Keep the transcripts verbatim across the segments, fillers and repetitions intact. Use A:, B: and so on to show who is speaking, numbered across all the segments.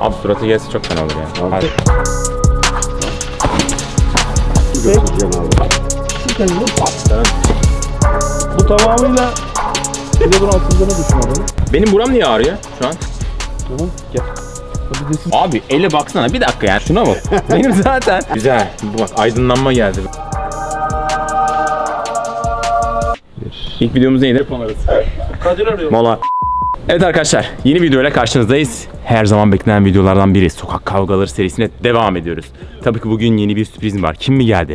A: Abi suratı gelse çok fena olur yani. Hadi.
B: Götüreceğim abi.
C: Bu tamamıyla bir de bunun atıldığını düşünüyorum.
A: Benim buram niye ağrıyor şu an?
C: Tamam gel. Hadi desin.
A: Abi ele baksana bir dakika ya şuna bak. Benim zaten. Güzel. Bu bak aydınlanma geldi. İlk videomuz neydi?
C: Kadir arıyor.
A: Mola. Evet arkadaşlar, yeni videoyla karşınızdayız. Her zaman beklenen videolardan biri. Sokak kavgaları serisine devam ediyoruz. Tabii ki bugün yeni bir sürprizim var. Kim mi geldi?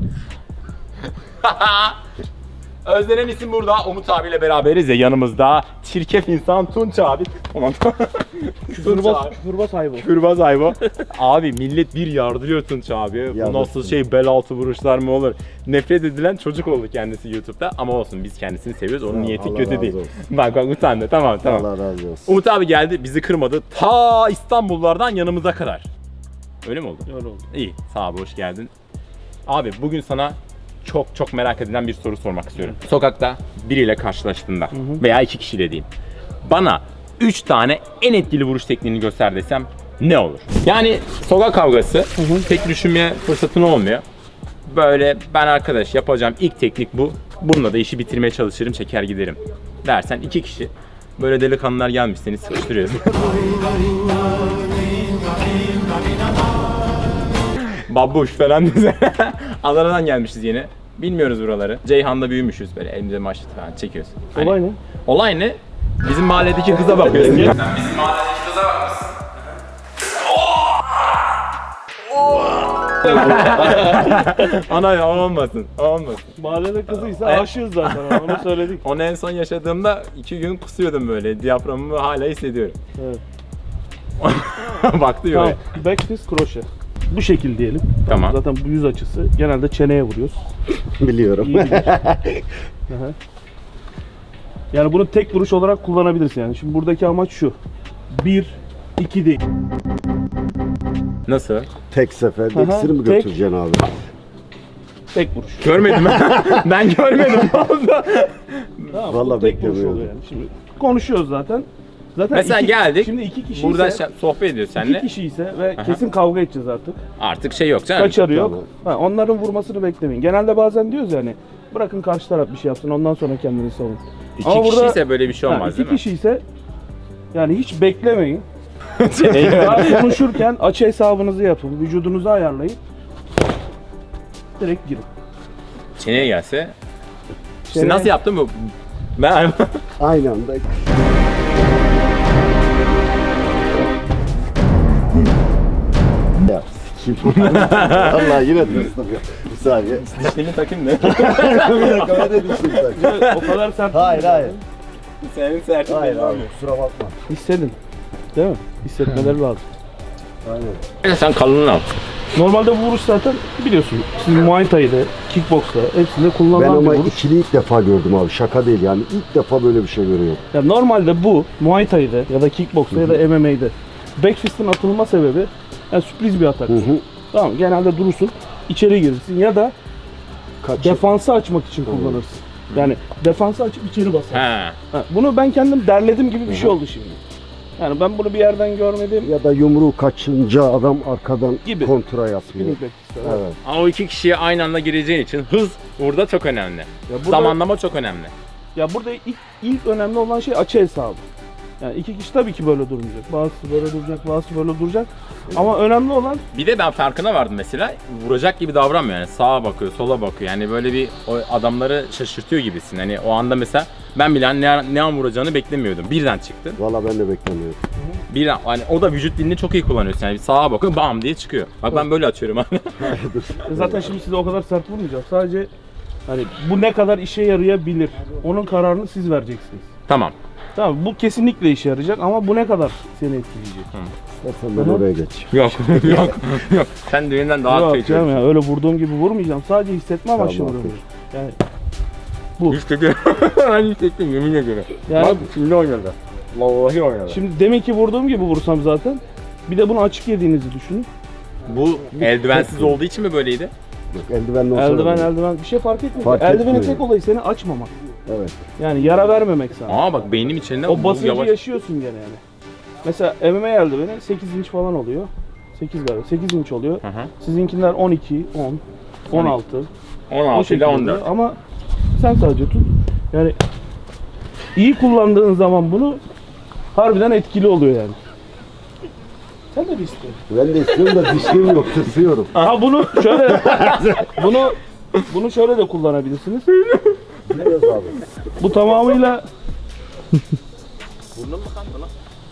A: Özlenen isim burada. Umut abiyle beraberiz ya yanımızda. Çirkef insan Tunç abi. Aman.
C: Küfürbaz, küfürbaz hayvan.
A: Küfürbaz ayva. Abi millet bir yardırıyor Tunç abi. Bu nasıl şey bel altı vuruşlar mı olur? Nefret edilen çocuk oldu kendisi YouTube'da. Ama olsun biz kendisini seviyoruz. Onun niyeti
B: Allah
A: kötü
B: razı
A: değil.
B: olsun.
A: Bak bak utandı. Tamam tamam.
B: Allah razı olsun.
A: Umut abi geldi bizi kırmadı. Ta İstanbullardan yanımıza kadar. Öyle mi oldu?
C: Öyle oldu.
A: İyi. Sağ ol, hoş geldin. Abi bugün sana çok çok merak edilen bir soru sormak istiyorum. Sokakta biriyle karşılaştığında hı hı. veya iki kişiyle diyeyim. Bana üç tane en etkili vuruş tekniğini göster desem ne olur? Yani sokak kavgası hı hı. pek düşünmeye fırsatın olmuyor. Böyle ben arkadaş yapacağım ilk teknik bu. Bununla da işi bitirmeye çalışırım, çeker giderim. Dersen iki kişi böyle delikanlılar gelmiş seni sıkıştırıyoruz. Babuş falan bize. Adana'dan gelmişiz yine. Bilmiyoruz buraları. Ceyhan'da büyümüşüz böyle elimizde maçlı falan çekiyoruz. Hani,
C: Olay ne?
A: Olay ne? Bizim mahalledeki kıza bakıyorsun. Sen bizim mahalledeki kıza bakmışsın. Ana ya olmasın, olmasın.
C: Mahallede kızıysa
A: Evet.
C: aşığız zaten onu söyledik.
A: Onu en son yaşadığımda iki gün kusuyordum böyle. Diyaframımı hala hissediyorum.
C: Evet.
A: Baktı
C: Tamam.
A: böyle.
C: Back fist kroşe. Bu şekil diyelim.
A: Tamam.
C: Zaten bu yüz açısı. Genelde çeneye vuruyoruz.
B: Biliyorum.
C: İyi bilir. Aha. Yani bunu tek vuruş olarak kullanabilirsin yani. Şimdi buradaki amaç şu. Bir, iki değil.
A: Nasıl?
B: Tek seferde
C: Aha,
B: ikisini mi
C: tek.
B: götüreceksin abi?
C: Tek vuruş.
A: Görmedim ben. Ben görmedim.
C: Tamam,
B: Vallahi
C: bu tek vuruş
B: beklemiyordum.
C: oluyor yani. Şimdi konuşuyoruz zaten. Zaten
A: Mesela
C: iki,
A: geldik.
C: Şimdi iki kişi
A: Burada
C: ise,
A: şa- sohbet ediyoruz
C: iki
A: seninle.
C: kişi ise ve
A: Aha.
C: kesin kavga edeceğiz artık.
A: Artık şey yok canım.
C: Kaçarı yok.
B: Tamam.
C: Ha, onların vurmasını beklemeyin. Genelde bazen diyoruz yani bırakın karşı taraf bir şey yapsın ondan sonra kendini savun.
A: İki
C: Ama
A: kişi
C: burada-
A: ise böyle bir şey
C: Ha,
A: olmaz
C: iki
A: değil mi?
C: kişi ise yani hiç beklemeyin.
A: Çeneyi
C: Daha konuşurken açı hesabınızı yapın. Vücudunuzu ayarlayın. Direkt girin.
A: Çeneye gelse. İşte
C: Çeneye-
A: nasıl yaptın bu? Ben
B: Aynı anda. Ya sikim. Vallahi yine tırsdım ya. Bir saniye.
A: dişlerini takayım da.
B: Bir dakika ben de düştüm sen.
C: O kadar sert.
B: Hayır hayır.
A: Senin sertin
B: Hayır
A: belli
B: abi
A: olmuyor.
B: kusura bakma.
C: Hissedin. Değil mi? Hissetmeleri lazım.
B: Aynen.
A: Sen kalınını al.
C: Normalde bu vuruş zaten biliyorsun. Siz Muay Thai'de, Kickbox'ta hepsinde
B: Ben
C: kullanılan
B: ama
C: bir vuruş.
B: ikili ilk defa gördüm abi. Şaka değil yani. İlk defa böyle bir şey görüyorum.
C: Ya normalde bu Muay Thai'de ya da Kickbox'ta ya da M M A'de back fist'in atılma sebebi yani sürpriz bir atak.
B: Hı hı.
C: Tamam genelde durursun, içeri girirsin ya da
B: Kaç?
C: defansı açmak için kullanırsın. Yani defansı açıp içeri basar.
A: He.
C: Ha, bunu ben kendim derledim gibi bir şey oldu şimdi. Yani ben bunu bir yerden görmedim.
B: Ya da yumruğu kaçınca adam arkadan
C: Gibi.
B: kontra yapıyor.
C: Spinning back fist. Evet.
B: Evet.
A: Ama o iki kişiye aynı anda gireceğin için hız burada çok önemli.
C: Ya burada,
A: Zamanlama çok önemli.
C: ya burada ilk, ilk önemli olan şey açı hesabı. Yani iki kişi tabii ki böyle durmayacak. Bazısı böyle duracak, bazısı böyle duracak. Ama önemli olan
A: Bir de ben farkına vardım mesela. Vuracak gibi davranmıyor yani. Sağa bakıyor, sola bakıyor. Yani böyle bir o adamları şaşırtıyor gibisin. Hani o anda mesela ben bile hani ne, ne an vuracağını beklemiyordum. Birden çıktı.
B: Valla ben de beklemiyordum.
A: Birden hani o da vücut dilini çok iyi kullanıyorsun. Yani sağa bakıyor, bam diye çıkıyor. Bak ben böyle atıyorum hani.
C: zaten şimdi size o kadar sert vurmayacağım. Sadece hani bu ne kadar işe yarayabilir. Onun kararını siz vereceksiniz.
A: Tamam.
C: Tamam bu kesinlikle işe yarayacak ama bu ne kadar seni etkileyecek?
B: İstersen ben
C: Hı hı.
B: oraya geç.
A: Yok, yok, yok. Sen düğünden daha
C: Yok
A: kıyıcı.
C: canım ya öyle vurduğum gibi vurmayacağım. Sadece hissetme amaçlı
B: Tamam,
C: vuruyorum. Yani
A: Hissettim. Ben hissettim yemin ediyorum.
C: Yani-
A: Bak şimdi oynadı. Vallahi oynadı.
C: şimdi demin ki vurduğum gibi vursam zaten bir de bunu açık yediğinizi düşünün.
A: Bu eldivensiz olduğu için mi böyleydi?
B: Yok, eldivenli olsa
C: Eldiven
B: da-
C: eldiven bir şey fark etmiyor.
B: Fark
C: Eldivenin
B: etmiyor.
C: tek olayı seni açmamak.
B: Evet.
C: Yani yara vermemek sana.
A: Aa bak beynim içinde
C: O
A: bu
C: basıncı
A: yavaş.
C: yaşıyorsun gene yani. Mesela M M A eldiveni sekiz inç falan oluyor. sekiz galiba. sekiz inç oluyor.
A: Hı hı.
C: Sizinkiler on iki, on, on altı.
A: on
C: O
A: altı ile
C: şekilde
A: on
C: oluyor.
A: dört.
C: Ama sen sadece tut. Yani iyi kullandığın zaman bunu harbiden etkili oluyor yani. Sen de bir istiyorsun.
B: Ben de istiyorum da dişim yok, tırsıyorum.
C: Ha bunu şöyle bunu bunu şöyle de kullanabilirsiniz.
B: Biliyoruz abi.
C: Bu tamamıyla
A: Burnum mu kandı lan?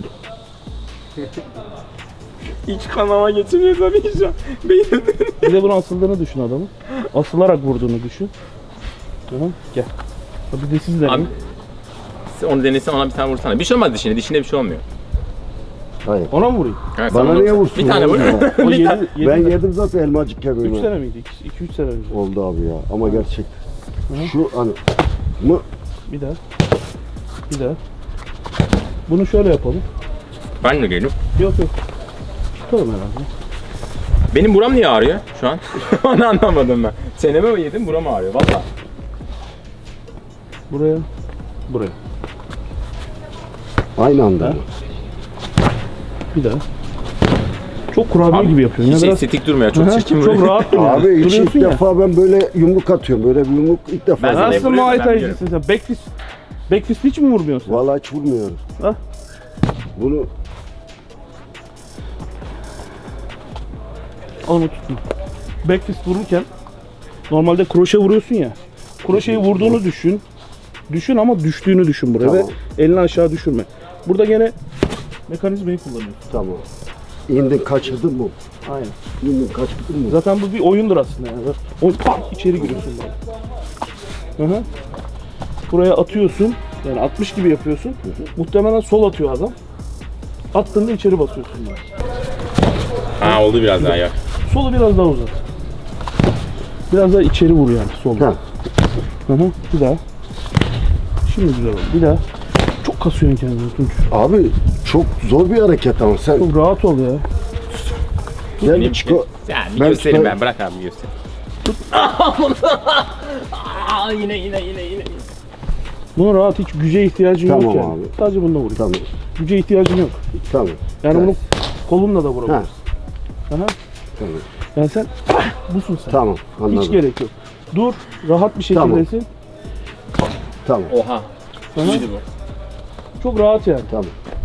A: İç kanama geçiriyor tabii şu an. Beynim.
C: bir de bunun asıldığını düşün adamın. Asılarak vurduğunu düşün. Tamam gel. Bir de siz
A: Abi
C: deneyin.
A: sen onu denesen ona bir tane vursana. Bir şey olmaz dişine. Dişinde bir şey olmuyor.
B: Hayır.
C: Ona mı vurayım?
A: Evet,
B: Bana
A: sen ona
B: niye
A: vur.
B: vursun
A: Bir tane
B: oğlum
A: vur.
B: ya?
C: O
A: Bir
C: yedi,
A: tane.
C: yedi,
B: Ben yedim zaten elmacık
C: üç
B: kemiğini.
C: sene miydi? iki üç sene önce.
B: Oldu abi ya. Ama gerçekten.
C: Hı.
B: Şu hani mı?
C: Bir daha. Bir daha. Bunu şöyle yapalım.
A: Ben de geldim.
C: Yok yok. Tutalım herhalde.
A: Benim buram niye ağrıyor şu an? Onu anlamadım ben. Çeneme mi yedim, buram ağrıyor valla.
C: Buraya. Buraya.
B: Aynı anda.
C: Ha? Bir daha. Çok kurabiye gibi yapıyorsun.
A: Hiç
C: ya biraz.
A: estetik durmuyor, çok
C: Aha,
A: çirkin
C: çok
A: vuruyor.
C: rahat duruyor.
B: Abi hiç ilk
C: Duruyorsun ya.
B: defa ben böyle yumruk atıyorum. Böyle bir yumruk ilk defa.
A: Ben sana-
C: Nasıl
A: vuruyorum,
C: Muay
A: ben
C: Thai'cisin sen? Backfist. Backfist hiç mi vurmuyorsun?
B: Vallahi hiç vurmuyorum.
C: Ha?
B: Bunu
C: Onu tutma. Backfist vururken normalde kroşe vuruyorsun ya. Kroşeyi vurduğunu düşün. Düşün ama düştüğünü düşün buraya
B: Tamam.
C: ve elini aşağı düşürme. Burada gene mekanizmayı kullanıyorsun.
B: tamam. İndin kaçırdın mı?
C: Aynen.
B: İndin kaçırdın mı?
C: Zaten bu bir oyundur aslında yani. O pat içeri giriyorsun böyle. Hı hı. Buraya atıyorsun. Yani atmış gibi yapıyorsun. Muhtemelen sol atıyor adam. Attığında içeri basıyorsun böyle.
A: Ha oldu biraz daha ya.
C: Solu biraz daha uzat. Biraz daha içeri vur yani solu.
B: Ha.
C: Hı hı. Bir daha. Şimdi güzel oldu. Bir daha. Çok kasıyorsun kendini Tunç.
B: Abi çok zor bir hareket ama sen
C: Çok rahat ol ya.
B: gel bir çıko.
A: Yani bir
B: Ben
A: göstereyim
B: çıkar-
A: ben, bırak abi göster. Aa, yine yine yine yine.
C: Buna rahat, hiç güce ihtiyacın yok
B: Tamam
C: yani.
B: abi.
C: Sadece bununla vurayım.
B: Tamam.
C: Güce ihtiyacın yok.
B: Tamam.
C: Yani
B: Evet.
C: bunu kolunla da
B: Ha.
C: vurabilirsin. Aha.
B: Tamam.
C: Yani sen busun sen.
B: Tamam. Anladım.
C: Hiç gerek yok. Dur, rahat bir
B: Tamam.
C: şekildesin.
B: Tamam.
A: Oha.
C: Aha.
A: İyiydi bu.
C: Çok rahat yani.
B: Tamam.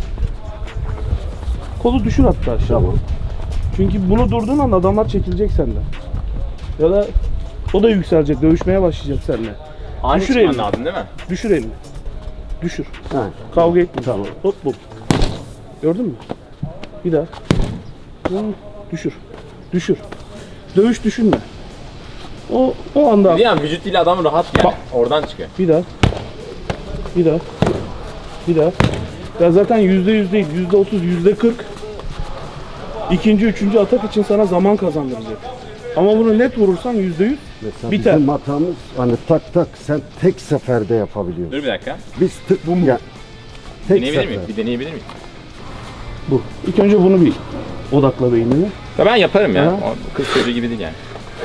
C: Kolu düşür hatta aşağı.
B: Tamam.
C: Çünkü bunu durduğun an adamlar çekilecek senden. Ya da o da yükselecek, dövüşmeye başlayacak seninle.
A: Ani
C: Düşür
A: çıkman
C: elini.
A: lazım değil mi?
C: Düşür elini. Düşür.
B: Ha.
C: Kavga etme.
B: Tamam.
C: Hop hop. Gördün mü? Bir daha. Hı, düşür. Düşür. Dövüş düşünme. O o anda.
A: Bir an vücut dili adam rahat yani.
C: Bak.
A: Oradan çıkıyor.
C: Bir daha. Bir daha. Bir daha. Ya zaten yüzde yüz değil, yüzde otuz, yüzde kırk. İkinci, üçüncü atak için sana zaman kazandıracak. Ama bunu net vurursan yüzde yüz
B: Mesela
C: biter.
B: bizim hatamız hani tak tak sen tek seferde yapabiliyorsun.
A: Dur bir dakika.
B: Biz tık bu ya. Tek
A: Deneyebilir
B: sefer.
A: miyim? Bir deneyebilir miyim?
C: Bu. İlk önce bunu bir odakla beynine.
A: Ya ben yaparım ya.
C: Aha.
A: O kız çocuğu gibi değil yani.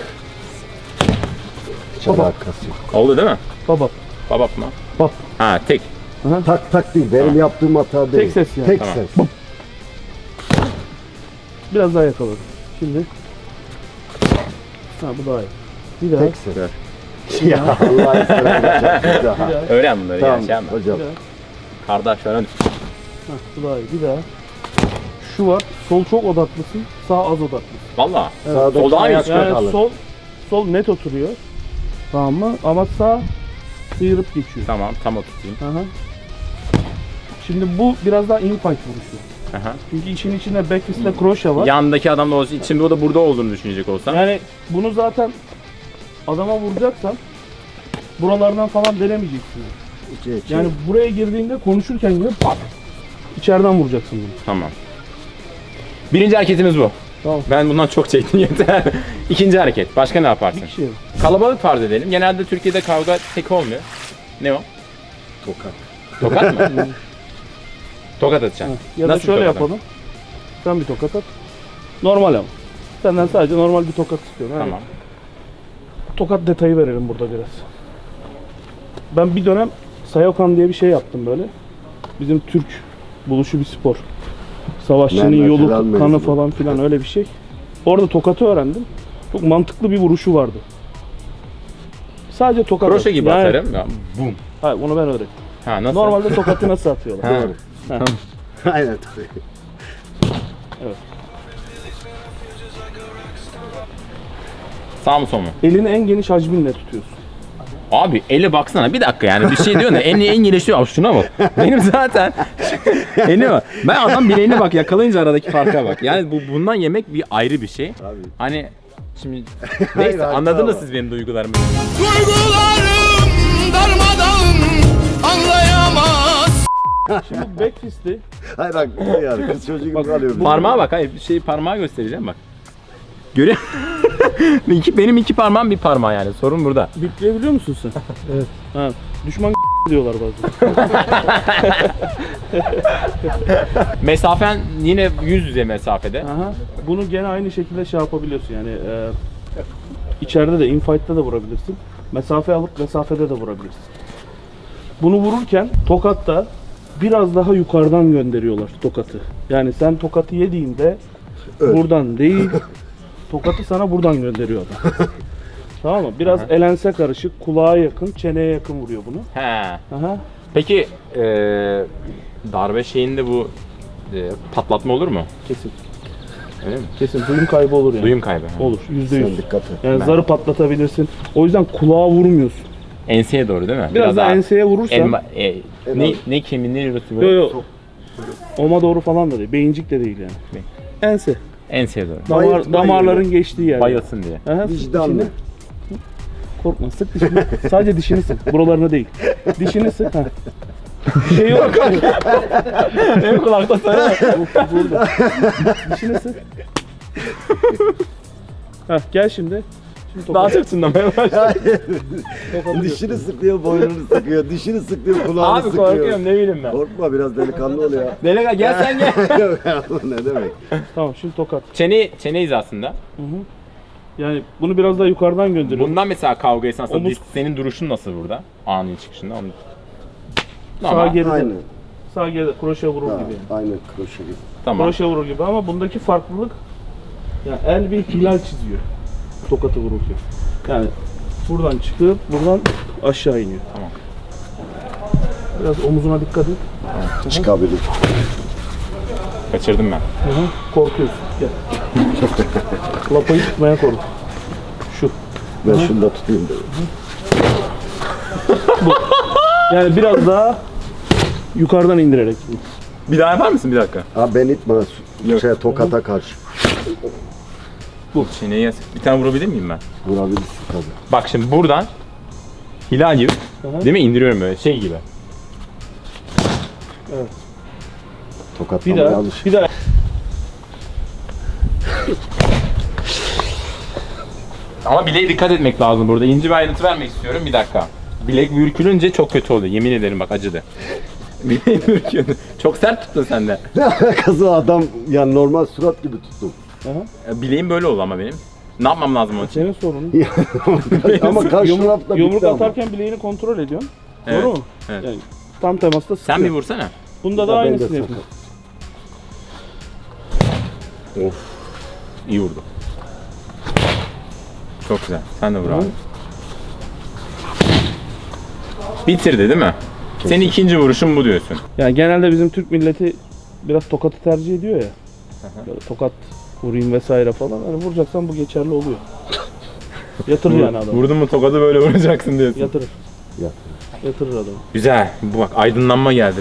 B: Hiç alakası yok.
A: Oldu değil mi?
C: Baba.
A: Babap mı?
C: Bab.
A: Ha tek.
B: Tak tak değil. Benim yaptığım hata değil.
C: ses yani.
B: Tek
A: Tamam.
B: ses.
C: Biraz daha yakaladım. Şimdi. Ha bu daha iyi. Bir daha.
B: Tek ses. Ya Allah'ın selamı. Daha.
A: Öğren bunları
B: Tamam
A: ya. Şey yapma.
B: hocam.
C: Bir daha.
A: Kardeş falan.
C: Ha, bu daha iyi. Bir daha. Şu var. Sol çok odaklısın. Sağ az odaklısın.
A: Valla.
B: Sağdaki
A: Sol daha iyi
B: ayak
A: çıkıyor.
C: Yani
B: kalır.
C: sol sol net oturuyor. Tamam mı? Ama sağ sıyırıp geçiyor.
A: Tamam tam oturtayım.
C: Aha. Şimdi bu biraz daha infight vuruşu.
A: Aha.
C: Çünkü işin içinde backfist'te kroşe var.
A: Yandaki adam da olsa içinde o da burada olduğunu düşünecek olsam.
C: Yani bunu zaten adama vuracaksan buralardan falan denemeyeceksin.
B: İçe içe.
C: Yani buraya girdiğinde konuşurken gibi pat içeriden vuracaksın bunu.
A: Tamam. Birinci hareketimiz bu.
C: Tamam.
A: Ben bundan çok çektim yeter. İkinci hareket. Başka ne yaparsın?
C: Bir kişi yok.
A: Kalabalık farz edelim. Genelde Türkiye'de kavga tek olmuyor. Ne o?
B: Tokat.
A: Tokat mı? Tokat atacaksın.
C: Ya da
A: Nasıl
C: şöyle
A: tokat
C: yapalım. Sen bir tokat at. Normal ama. Senden sadece normal bir tokat istiyorum. Yani
A: Tamam.
C: tokat detayı verelim burada biraz. Ben bir dönem Sayokan diye bir şey yaptım böyle. Bizim Türk buluşu bir spor. Savaşçının
B: Mermer
C: yolu,
B: falan
C: kanı
B: mevzu.
C: falan filan öyle bir şey. Orada tokatı öğrendim. Çok mantıklı bir vuruşu vardı. Sadece tokat.
A: Kroşe gibi
C: Yani-
A: atarım. Ya, bum.
C: Hayır, onu ben öğrettim.
A: Ha nasıl?
C: Normalde tokatı nasıl atıyorlar?
A: Ha.
C: Ha.
B: Aynen tabii.
A: Sağ mı sol mu?
C: Elini en geniş hacminle tutuyorsun.
A: Abi ele baksana bir dakika yani bir şey diyorsun da en en gelişiyor. Abi şuna bak. Benim zaten eline bak. Ben adam bileğine bak yakalayınca aradaki farka bak. Yani bu bundan yemek bir ayrı bir şey.
B: Abi.
A: Hani şimdi
B: Hayır,
A: neyse
B: haklı
A: anladınız
B: ama.
A: siz benim duygularımı.
D: Duygularım darmadağın anlayamaz.
C: Şimdi bu back fist'i
B: Hayır haklı yani. Kız çocuğu gibi kalıyorum.
A: Parmağa bak hayır bir şey parmağı göstereceğim bak. Görüyor iki, benim iki parmağım bir parmağı yani sorun burada.
C: bipleyebiliyor musun sen? Evet. Ha. Düşman diyorlar bazen.
A: Mesafen yine yüz yüze mesafede.
C: Aha. Bunu gene aynı şekilde şey yapabiliyorsun yani e, içeride de infight'ta da vurabilirsin. Mesafe alıp mesafede de vurabilirsin. Bunu vururken tokatta biraz daha yukarıdan gönderiyorlar tokatı. Yani sen tokatı yediğinde buradan değil tokatı sana buradan gönderiyor adam. Tamam mı? Biraz elense karışık, kulağa yakın, çeneye yakın vuruyor bunu.
A: He.
C: Aha.
A: Peki eee darbe şeyinde bu eee, patlatma olur mu?
C: Kesin.
A: Öyle mi?
C: Kesin. Duyum kaybı olur yani.
A: Duyum kaybı. ha.
C: Olur. Yüzde
B: Sen
C: yüz.
B: dikkat et.
C: Yani
A: Ben-
C: zarı patlatabilirsin. O yüzden kulağa vurmuyorsun.
A: Enseye doğru değil mi?
C: Biraz, daha enseye vurursan
A: elma, e, ne, ne kemiği ne yürüsü
C: yo
A: böyle?
C: yo oma doğru falan da değil. Beyincik de değil yani. Ense.
A: Enseye doğru.
C: Damar,
B: Bayılt, bayılt.
C: damarların geçtiği yer.
A: Bayılsın diye.
C: Aha,
B: Vicdanlı.
C: dişini- Korkma sık dişini. Sadece dişini sık. Buralarına değil. Dişini sık. Ha. Bir şey yok.
A: Benim kulakta sana.
C: Burada. Dişini sık. Heh, gel şimdi. Şimdi
A: Daha
C: tokat-
A: çok çınlamaya başladı.
C: tokatı
B: Dişini sıkıyor, boynunu sıkıyor. Dişini sıkıyor, kulağını
A: Abi
B: sıkıyor.
A: korkuyorum ne bileyim ben.
B: Korkma biraz delikanlı ol ya.
A: Delega gel sen gel.
B: Yok ya, bu ne demek?
C: Tamam şimdi tokat.
A: Çene, çene hizasında.
C: Yani bunu biraz daha yukarıdan gönderiyorum.
A: Bundan mesela kavga esnasında
C: Omuz-
A: biz- senin duruşun nasıl burada? Ani çıkışında. Onu...
C: Sağ
A: Tamam.
C: geride.
B: Aynen.
C: Sağ geride kroşe vurur
B: Ha,
C: gibi yani.
B: aynen kroşe gibi.
A: Tamam.
C: Kroşe vurur gibi ama bundaki farklılık yani el bir hilal çiziyor tokatı vururken. Yani buradan çıkıp buradan aşağı iniyor.
A: Tamam.
C: Biraz omuzuna dikkat et.
B: Çıkabilir.
A: Kaçırdım ben.
C: Hı hı. Korkuyorsun. Gel. Lapayı tutmaya kork. Şu.
B: Ben şunu da tutayım da.
C: Yani biraz daha yukarıdan indirerek.
A: Bir daha yapar mısın bir dakika?
B: Ha ben itme.
A: Yok.
B: Şey, tokata karşı.
A: Bu çeneye bir tane vurabilir miyim ben?
B: Vurabilirsin tabii.
A: Bak şimdi buradan hilal gibi
C: Aha.
A: değil mi indiriyorum böyle şey gibi.
C: Bir
B: Tokatlamaya
C: daha.
B: alış.
C: Bir daha.
A: Ama bileğe dikkat etmek lazım burada. İnce bir ayrıntı vermek istiyorum. Bir dakika. Bilek bürkülünce çok kötü oluyor. Yemin ederim bak acıdı. Bileği bürküldü. Çok sert tuttun sen de.
B: Ne alakası adam yani normal surat gibi tuttum.
C: Aha.
A: Bileğim böyle oldu ama benim. Ne yapmam lazım onun için?
C: Senin sorunun.
B: Ama karşı
C: Yumruk,
B: tarafta
C: yumruk
B: bitti ama.
C: atarken bileğini kontrol ediyorsun.
A: Evet,
C: Doğru mu?
A: evet.
C: Yani tam temasta sıkıyor.
A: Sen bir vursana.
C: Bunda da
B: Ya ben de
C: aynısını
B: sakat.
C: yapın.
A: Of. İyi vurdu. Çok güzel. Sen de vur abi. Bitirdi değil mi? Senin ikinci vuruşun bu diyorsun.
C: Yani genelde bizim Türk milleti biraz tokatı tercih ediyor ya. Böyle tokat vurayım vesaire falan. Hani vuracaksan bu geçerli oluyor. Yatırır yani adam.
A: Vurdun mu tokadı böyle vuracaksın diyorsun.
C: Yatırır.
B: Yatırır.
C: Yatırır adamı.
A: Güzel. Bu bak aydınlanma geldi.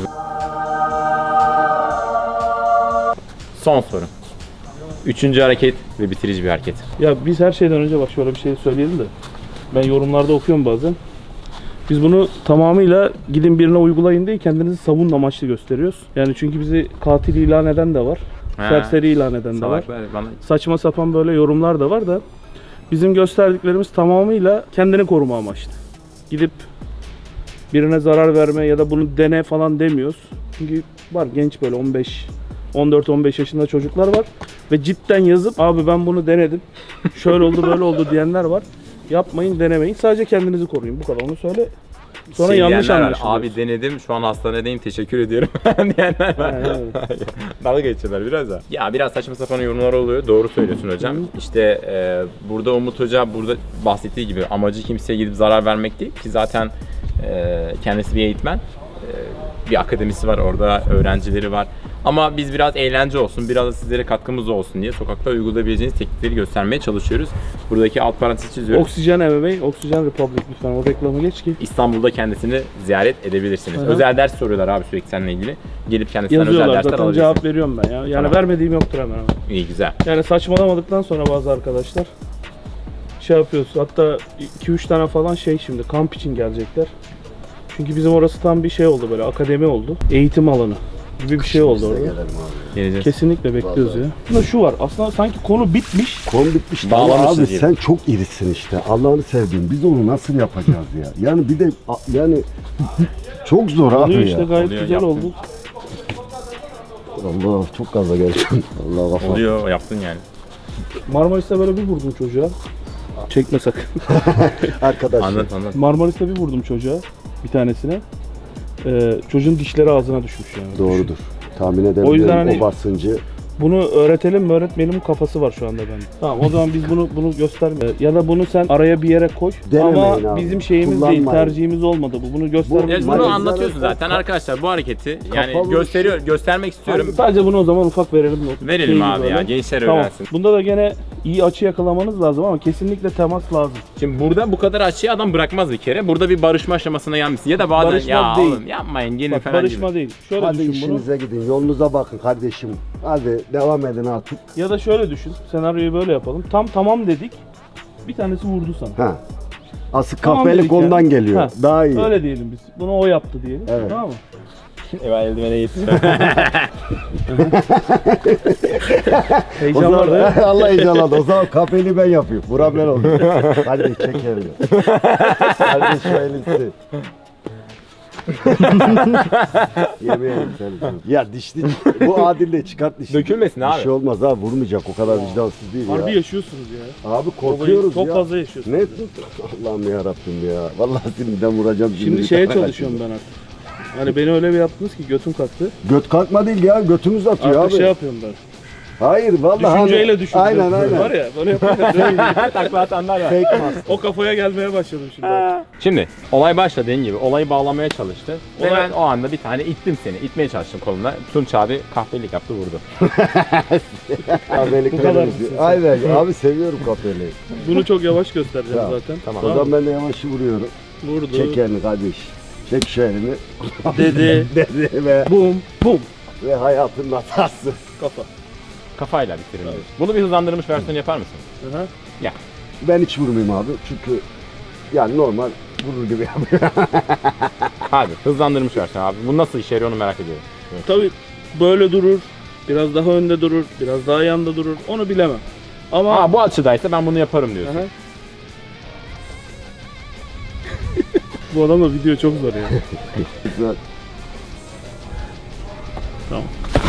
A: Son soru. Üçüncü hareket ve bitirici bir hareket.
C: Ya biz her şeyden önce bak şöyle bir şey söyleyelim de. Ben yorumlarda okuyorum bazen. Biz bunu tamamıyla gidin birine uygulayın değil kendinizi savunma amaçlı gösteriyoruz. Yani çünkü bizi katil ilan eden de var.
A: Ha.
C: Serseri ilan eden de var.
A: Salaklar bana
C: Saçma sapan böyle yorumlar da var da bizim gösterdiklerimiz tamamıyla kendini koruma amaçlı. Gidip birine zarar verme ya da bunu dene falan demiyoruz. Çünkü var genç böyle on beş on dört on beş yaşında çocuklar var ve cidden yazıp abi ben bunu denedim. Şöyle oldu böyle oldu diyenler var. Yapmayın, denemeyin. Sadece kendinizi koruyun. Bu kadar onu söyle. Sonra
A: Şey
C: yanlış
A: diyenler var,
C: anlaşılıyor.
A: Abi denedim şu an hastanedeyim teşekkür ediyorum diyenler var.
C: Aynen öyle.
A: Dalga geçiyorlar biraz da. Ya biraz saçma sapan yorumlar oluyor. Doğru söylüyorsun hocam. İşte e, burada Umut Hoca burada bahsettiği gibi amacı kimseye gidip zarar vermek değil ki zaten e, kendisi bir eğitmen. E, bir akademisi var orada, öğrencileri var. Ama biz biraz eğlence olsun, biraz da sizlere katkımız olsun diye sokakta uygulayabileceğiniz teknikleri göstermeye çalışıyoruz. Buradaki alt parantezi çiziyoruz.
C: Oksijen M M A, Oksijen Republic lütfen o reklamı geç ki.
A: İstanbul'da kendisini ziyaret edebilirsiniz.
C: Hı hı.
A: Özel ders soruyorlar abi sürekli seninle ilgili. Gelip kendisinden özel
C: Yazıyorlar
A: dersler
C: zaten
A: alabilirsiniz.
C: cevap veriyorum ben ya. Yani
A: Tamam.
C: vermediğim yoktur hemen hemen.
A: İyi güzel.
C: Yani saçmalamadıktan sonra bazı arkadaşlar şey yapıyoruz. Hatta iki üç tane falan şey şimdi kamp için gelecekler. Çünkü bizim orası tam bir şey oldu böyle akademi oldu. Eğitim alanı gibi bir şey oldu
B: Biz de
C: orada.
B: gelelim abi.
A: Geleceğiz.
C: Kesinlikle bekliyoruz
B: Vallahi.
C: ya. Bunda şu var. Aslında sanki konu bitmiş.
B: Konu bitmiş.
A: Bağlamışız
B: Abi
A: diyelim.
B: sen çok irisin işte. Allah'ını sevdiğim. Biz onu nasıl yapacağız ya? Yani bir de a- yani çok zor abi
C: Oluyor
B: ya.
C: işte gayet
A: Oluyor,
C: güzel
A: yaptın.
C: oldu.
B: Allah çok gaza geldim. Allah kafa.
A: Oluyor yaptın yani.
C: Marmaris'te böyle bir vurdum çocuğa. Çekme sakın.
B: Arkadaş.
A: Anlat anlat.
C: Marmaris'te bir vurdum çocuğa. Bir tanesine. Ee, çocuğun dişleri ağzına düşmüş yani.
B: Doğrudur. Tahmin edebilirim
C: O yüzden
B: o
C: hani-
B: basıncı.
C: Bunu öğretelim mi öğretmeyelim kafası var şu anda bende. Tamam o zaman biz bunu bunu göstermeyelim. Ya da bunu sen araya bir yere koy.
B: Denemeyin
C: Ama
B: abi.
C: bizim şeyimiz değil,
B: Kullanmayın.
C: tercihimiz olmadı bu. Bunu göstermeyelim.
A: Evet, bunu
B: Maalesef
A: anlatıyorsun
B: zaten
A: zaten
B: ka-
A: arkadaşlar bu hareketi yani
B: Kafalı
A: gösteriyor göstermek istiyorum.
C: Sadece bunu o zaman ufak verelim.
A: Verelim
C: Şeyini
A: abi ya
C: böyle.
A: gençler
C: Tamam.
A: öğrensin.
C: Bunda da gene iyi açı yakalamanız lazım ama kesinlikle temas lazım.
A: Şimdi burada bu kadar açıyı adam bırakmaz bir kere. Burada bir barışma aşamasına gelmişsin ya da bazen
C: Barışma
A: ya
C: değil.
A: oğlum yapmayın gelin
C: Bak
A: falan
C: barışma
A: gibi.
C: değil. Şöyle
B: Hadi
C: düşün bunu.
B: işinize gidin. Yolunuza bakın kardeşim. Hadi devam edin artık.
C: Ya da şöyle düşün. Senaryoyu böyle yapalım. Tam tamam dedik. Bir tanesi vurdu sana.
B: Ha. Asıl
C: Tamam
B: kahpelik
C: dedik ya.
B: ondan geliyor.
C: Ha,
B: Daha iyi.
C: Öyle diyelim biz. Bunu o yaptı diyelim.
B: Evet.
C: Tamam mı?
A: Eyvah eldivene yetiştim.
B: O
C: Heyecan
B: zaman,
C: vardı.
B: Allah heyecanlandı. O zaman kahpeliği ben yapayım. Buram ben olayım. Hadi çek elini. Hadi şu elini. Yemeyelim seni. Ya dişli. Bu adille çıkart dişli.
A: Dökülmesin abi.
B: Bir şey olmaz abi vurmayacak. O kadar vicdansız değil
C: Harbi
B: ya.
C: yaşıyorsunuz ya.
B: Abi korkuyoruz
C: Çok
B: ya.
C: fazla yaşıyorsunuz.
B: Ne? Allah'ım ya Rabbim ya. Vallahi sinirden vuracağım.
C: Şimdi şeye çalışıyorum ben artık. Hani beni öyle bir yaptınız ki götüm kalktı.
B: Göt kalkma değil ya. Götümüz atıyor
C: Artık
B: abi.
C: şey yapıyorum ben.
B: Hayır vallahi.
C: Düşünceyle
B: hani-
C: düşünüyorum.
B: Aynen aynen.
C: Var ya böyle yapınca böyle
A: Takla atanlar var.
B: Fake mask.
C: o kafaya gelmeye başladım şimdi.
A: Şimdi olay başladı dediğin gibi olayı bağlamaya çalıştı. Ve
C: Olay-
A: ben o anda bir tane ittim seni. İtmeye çalıştım koluna. Tunç abi kahpelik yaptı vurdu.
B: Kahpelik
C: Bu kadar
B: veririz.
C: mısın sen?
B: Aynen abi seviyorum kahpeliği.
C: Bunu çok yavaş göstereceğim
B: Tamam,
C: zaten.
A: tamam.
B: O zaman ben de yavaş vuruyorum.
C: Vurdu.
B: Çek elini kardeş. Çek şu elini.
C: Dedi.
B: Dedi ve,
C: Bum bum.
B: ve hayatın hatası.
C: Kafa.
A: Kafayla bitirelim. Bunu bir hızlandırılmış versiyon yapar mısın?
C: Aha.
B: Ben hiç vurmayayım abi çünkü yani normal vurur gibi yapıyor.
A: Abi hızlandırılmış versiyon abi. Bu nasıl işe yarıyor onu merak ediyorum.
C: Tabii böyle durur. Biraz daha önde durur. Biraz daha yanda durur. Onu bilemem. Ama
A: Aa bu açıdaysa ben bunu yaparım diyorsun.
C: Aha. Bu adamla video çok zor ya.
B: Güzel.
C: Tamam.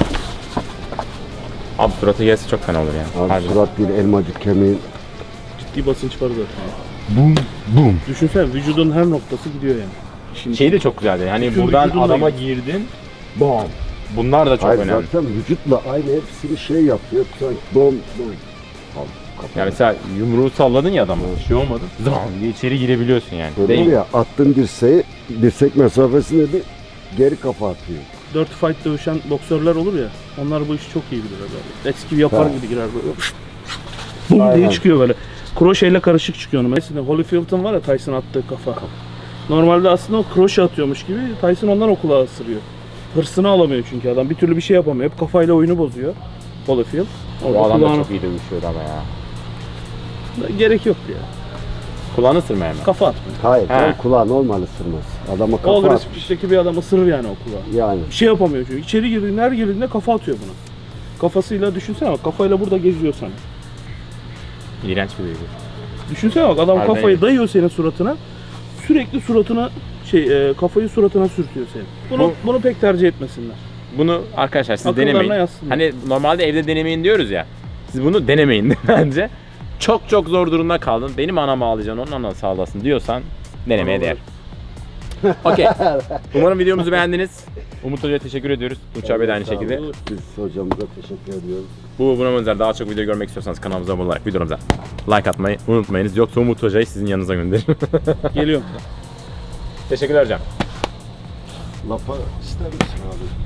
A: Abi suratı gelse çok fena olur yani.
B: Abi
A: Harbiden.
B: surat değil elmacık kemiğin.
C: Ciddi basınç var zaten.
B: Bum bum.
C: Düşünsene vücudun her noktası gidiyor yani. Şimdi
A: Şey de çok güzeldi. Hani
C: Bütün
A: buradan
C: vücudunla
A: adama
C: gidiyor.
A: girdin. Bom. Bunlar da çok
B: Hayır
A: önemli.
B: zaten vücutla aynı hepsini şey yapıyor. Sanki bom bom. Al, kapat.
A: Yani mesela yumruğu salladın ya adama. Bir şey olmadı. Zam diye içeri girebiliyorsun yani.
B: Böyle
A: Değil
B: var
A: mi?
B: ya attığın dirseği dirsek mesafesine de geri kafa atıyor.
C: dört fight dövüşen boksörler olur ya. Onlar bu işi çok iyi bilirler böyle. Eski yapar
B: Ha.
C: gibi girer böyle. Bum diye
B: Aynen.
C: çıkıyor böyle. Kroşeyle karışık çıkıyor onu. Mesela Holyfield'ın var ya Tyson attığı kafa. Normalde aslında o kroşe atıyormuş gibi Tyson ondan o kulağı ısırıyor. Hırsını alamıyor çünkü adam. Bir türlü bir şey yapamıyor. Hep kafayla oyunu bozuyor. Holyfield.
A: O adam da
C: kulağını-
A: çok iyi dövüşüyordu ama ya.
C: Gerek yok ya.
A: Kulağını ısırmaya mı?
C: Kafa atmıyor.
B: Hayır
A: He.
B: tam kulağı normal ısırmaz. Adama
C: O
B: kafa at.
C: agresif işteki bir adam ısırır yani o kulağı.
B: Yani.
C: Bir şey yapamıyor çünkü. İçeri girdiğinde her girdiğinde kafa atıyor buna. Kafasıyla düşünsene bak kafayla burada geziyor sana.
A: İğrenç bir duygu.
C: Düşünsene bak adam
A: Harbiden
C: kafayı
A: iyi.
C: dayıyor senin suratına. Sürekli suratına şey e, kafayı suratına sürtüyor senin. Bunu
A: Bu-
C: bunu pek tercih etmesinler.
A: Bunu arkadaşlar siz
C: Akıllarına
A: denemeyin.
C: yazsınlar.
A: Hani normalde evde denemeyin diyoruz ya. Siz bunu denemeyin bence. Çok çok zor durumda kaldın. Benim anam ağlayacaksın, onun anası ağlasın diyorsan denemeye
C: Anam
A: değer. Okey. Umarım videomuzu beğendiniz. Umut Hoca'ya teşekkür ediyoruz. Tunç abi de aynı
B: Sağ olun.
A: şekilde.
B: Biz hocamıza teşekkür ediyoruz.
A: Bu buna benzer daha çok video görmek istiyorsanız kanalımıza abone olarak videomuza like atmayı unutmayınız. Yoksa Umut Hoca'yı sizin yanınıza gönderirim.
C: Geliyorum.
A: Teşekkürler hocam.
B: Lapa ister misin abi?